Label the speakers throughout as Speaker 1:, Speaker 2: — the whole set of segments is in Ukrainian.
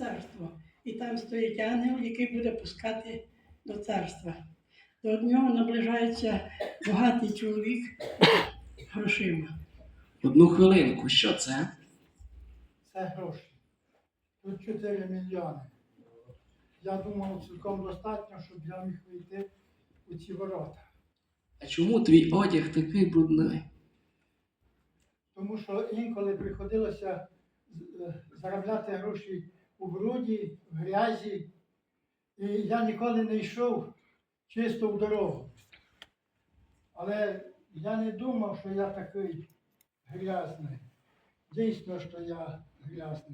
Speaker 1: царство. І там стоїть ангел, який буде пускати до царства. До нього наближається багатий чоловік грошима.
Speaker 2: Одну хвилинку, що це?
Speaker 3: Це гроші. Тут 4 мільйони. Я думав, цілком достатньо, щоб я міг вийти у ці ворота.
Speaker 2: А чому твій одяг такий брудний?
Speaker 3: Тому що інколи приходилося заробляти гроші у бруді, в грязі. І я ніколи не йшов чисто в дорогу. Але я не думав, що я такий грязний. Дійсно, що я грязний.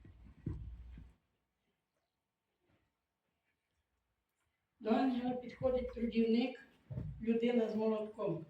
Speaker 1: До ангела підходить трудівник, людина з молотком.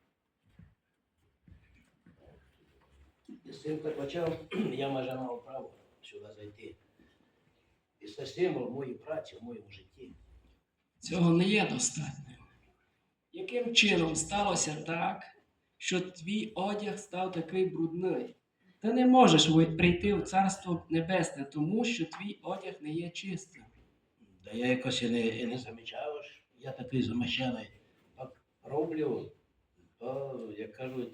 Speaker 4: З цим так почав, я майже мав право сюди зайти. І це символ моєї праці в моєму житті.
Speaker 2: Цього не є достатньо. Яким чином сталося так, що твій одяг став такий брудний? Ти не можеш прийти в Царство Небесне, тому що твій одяг не є чистим.
Speaker 4: Та я якось і не замічав, що я такий замащений. Так роблю, то, як кажуть,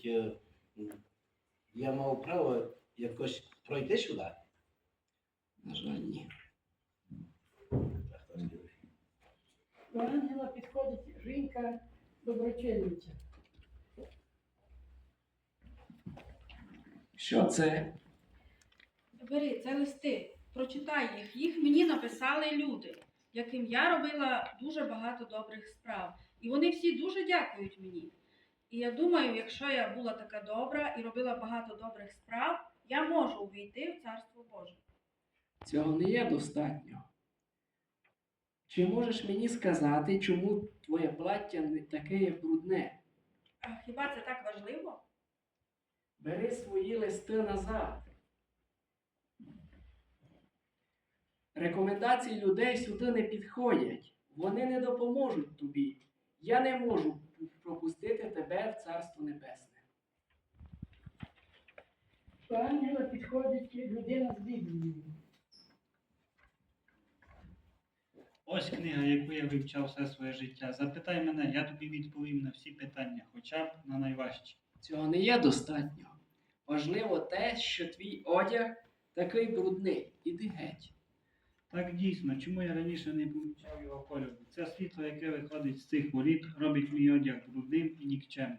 Speaker 4: я мав право якось пройти сюди.
Speaker 2: На жаль, ні.
Speaker 4: Так, хто скаже?
Speaker 1: До ангела підходить жінка доброчинниця.
Speaker 2: Що це?
Speaker 5: Бери, це листи, прочитай їх. Їх мені написали люди, яким я робила дуже багато добрих справ. І вони всі дуже дякують мені. І я думаю, якщо я була така добра і робила багато добрих справ, я можу увійти в Царство Боже.
Speaker 2: Цього не є достатньо. Чи можеш мені сказати, чому твоє плаття не таке є брудне?
Speaker 5: А хіба це так важливо?
Speaker 2: Бери свої листи назад. Рекомендації людей сюди не підходять. Вони не допоможуть тобі. Я не можу пропустити тебе в Царство Небесне.
Speaker 1: До ангела підходить людина з Біблією.
Speaker 6: Ось книга, яку я вивчав все своє життя. Запитай мене, я тобі відповім на всі питання, хоча б на найважчі.
Speaker 2: Цього не є достатньо. Важливо те, що твій одяг такий брудний. Іди геть.
Speaker 6: Так дійсно, чому я раніше не помічав його кольору? Це світло, яке виходить з цих воріт, робить мій одяг брудним і нікчемним.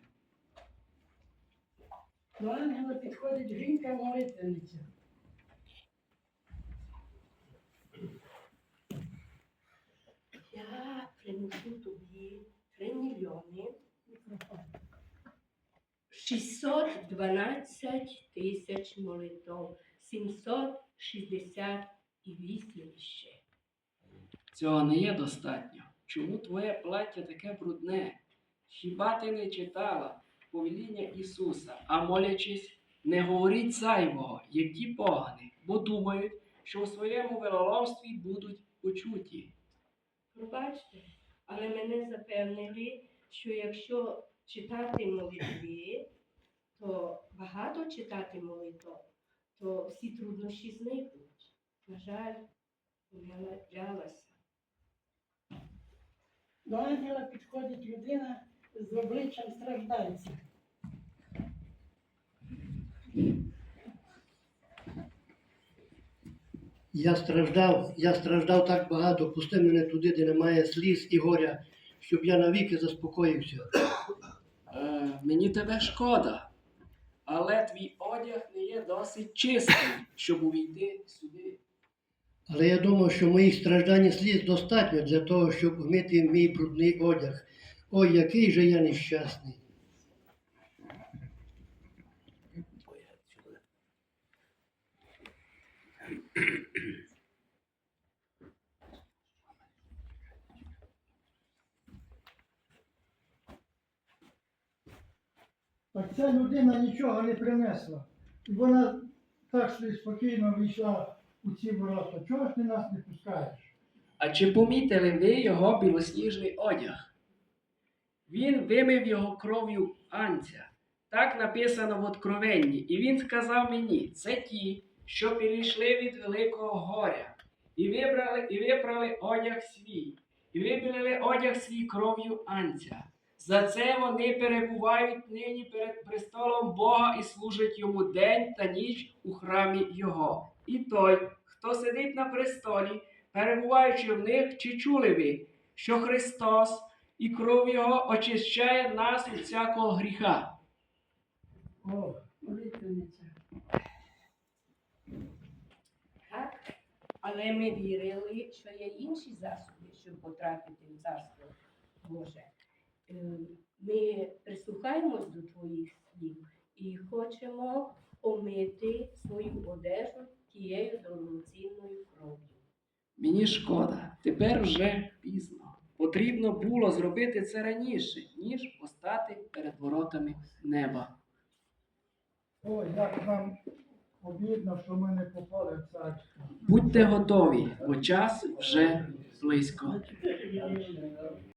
Speaker 1: До ангела підходить жінка молитвенниця.
Speaker 7: Я приношу тобі 3 мільйони 612 тисяч молитов, 768 ще.
Speaker 2: Цього не є достатньо. Чому твоє плаття таке брудне? Хіба ти не читала повеління Ісуса, а молячись, не говоріть зайвого, як ті погані, бо думають, що у своєму вероломстві будуть почуті.
Speaker 7: Пробачте, але мене запевнили, що якщо читати молитви, то багато читати молитв, то всі труднощі зникнуть. На жаль, я надрялася.
Speaker 1: До ангела підходить людина з обличчям страждальця.
Speaker 8: Я страждав так багато, пусти мене туди, де немає сліз і горя, щоб я навіки заспокоївся.
Speaker 2: Мені тебе шкода, але твій одяг не є досить чистий, щоб увійти сюди.
Speaker 8: Але я думав, що моїх страждань і сліз достатньо для того, щоб вмити мій брудний одяг. Ой, який же я нещасний.
Speaker 4: Ой, сюди.
Speaker 3: Так ця людина нічого не принесла. І вона так собі спокійно війшла у ці ворота. Чого ж ти нас не пускаєш?
Speaker 2: А чи помітили ви його білосніжний одяг? Він вимив його кров'ю анця. Так написано в Откровенні. І він сказав мені, це ті, що перейшли від великого горя. і випрали одяг свій, і вибілили одяг свій кров'ю анця. За це вони перебувають нині перед престолом Бога і служать йому день та ніч у храмі Його. І той, хто сидить на престолі, перебуваючи в них, чи чули ви, що Христос і кров Його очищає нас від всякого гріха?
Speaker 1: О, молитвенниця.
Speaker 7: Так, але ми вірили, що є інші засоби, щоб потрапити в Царство Боже. Ми прислухаємось до твоїх слів і хочемо омити свою одежу тією дорогоцінною кров'ю.
Speaker 2: Мені шкода, тепер вже пізно. Потрібно було зробити це раніше, ніж постати перед воротами неба.
Speaker 3: О, як нам обідно, що ми не попали в царство.
Speaker 2: Будьте готові, бо час вже близько.